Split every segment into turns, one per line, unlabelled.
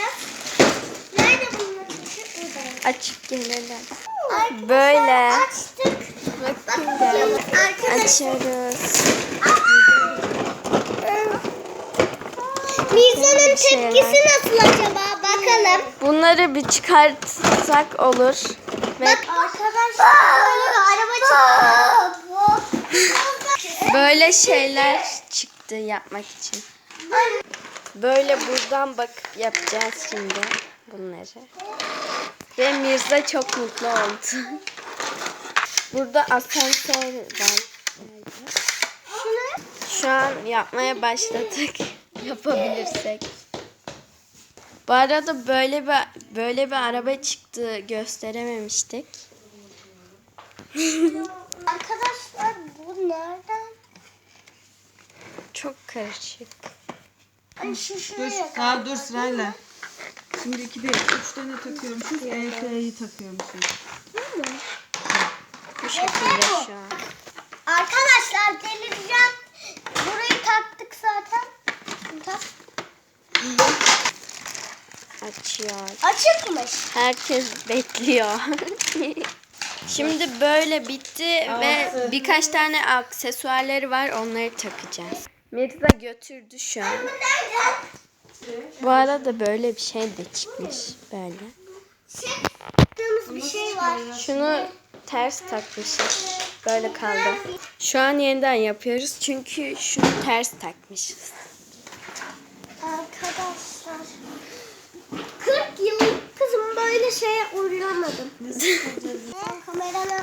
yapacağız? Nerede bunlar?
Açıp gelelim.
Arkadaşlar,
Böyle.
açtık.
Bakın
Bakın arkadaşlar.
açıyoruz.
Mirza'nın
şeyler.
tepkisi nasıl acaba? Bakalım.
Bunları bir çıkartsak olur. Ve
Bak arkadaşlar böyle bir araba çıktı.
böyle şeyler çıktı yapmak için. Böyle buradan bakıp yapacağız şimdi bunları. Ve Mirza çok mutlu oldu. Burada asansör var. Şu an yapmaya başladık. Yapabilirsek. Bu arada böyle bir araba çıktı, gösterememiştik.
Arkadaşlar bu nereden?
Çok karışık.
Ay şu
Dur,
şuraya.
dur sırayla. Şimdi 2 değil, 3 tane takıyormuşuz. EF'yi takıyormuşuz.
Bu şekilde şu an.
Arkadaşlar delireceğim. Burayı taktık zaten. Tak.
Açıyor.
Açıkmış.
Herkes bekliyor. Şimdi böyle bitti ve birkaç tane aksesuarları var, onları takacağız. Mirza götürdü şu an. Bu arada böyle bir şey de çıkmış. Böyle.
Taktığımız bir şey var.
Şunu ters takmışız. Böyle kaldı. Şu an yeniden yapıyoruz çünkü şunu ters takmışız.
Arkadaşlar 40 yıllık kızım böyle şeye uğramadım. Kamerana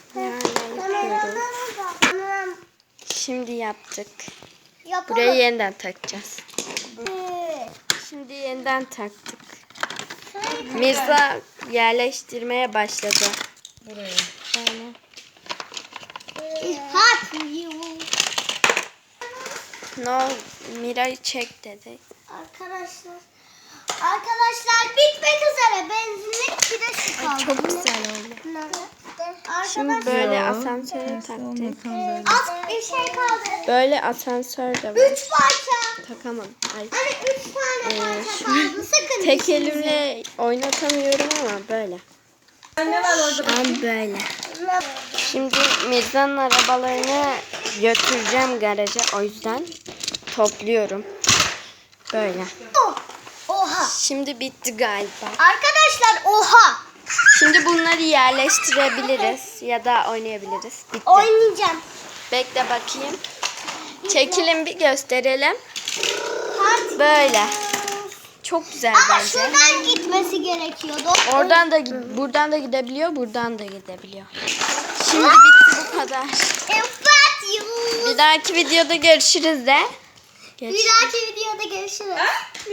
yapıyoruz. Şimdi yaptık.
yapalım.
Burayı yeniden takacağız. Şimdi yeniden taktık. Mirza yerleştirmeye başladı.
Buraya.
Böyle.
Hot you.
No, Mira'yı çek dedi.
Arkadaşlar bitmek üzere benzinlik bir de şu kaldı.
Çok güzel oldu.
Nerede?
Şimdi
Arkadaşlar
böyle
Yo,
asansöre
ters
taktık.
olmasan böyle.
az bir şey kaldı.
Böyle asansör de var.
3 parça.
Takamadım. Ay.
Hani 3 tane parça kaldı. Sakın
Tek
işinize.
elimle oynatamıyorum ama böyle.
Ne var orada?
Şu an böyle. Şimdi Mirza'nın arabalarını götüreceğim garaja. O yüzden topluyorum. Böyle.
Oha.
Şimdi bitti galiba.
Arkadaşlar oha.
Şimdi bunları yerleştirebiliriz ya da oynayabiliriz. Bitti.
Oynayacağım.
Bekle bakayım. Çekilin bir gösterelim.
Hadi.
Böyle. Çok güzel
Ama
bence.
şuradan gitmesi gerekiyordu.
Oradan da buradan da gidebiliyor, buradan da gidebiliyor. Şimdi bitti bu kadar.
Evet you.
Bir dahaki videoda görüşürüz de.
Bir dahaki videoda görüşürüz.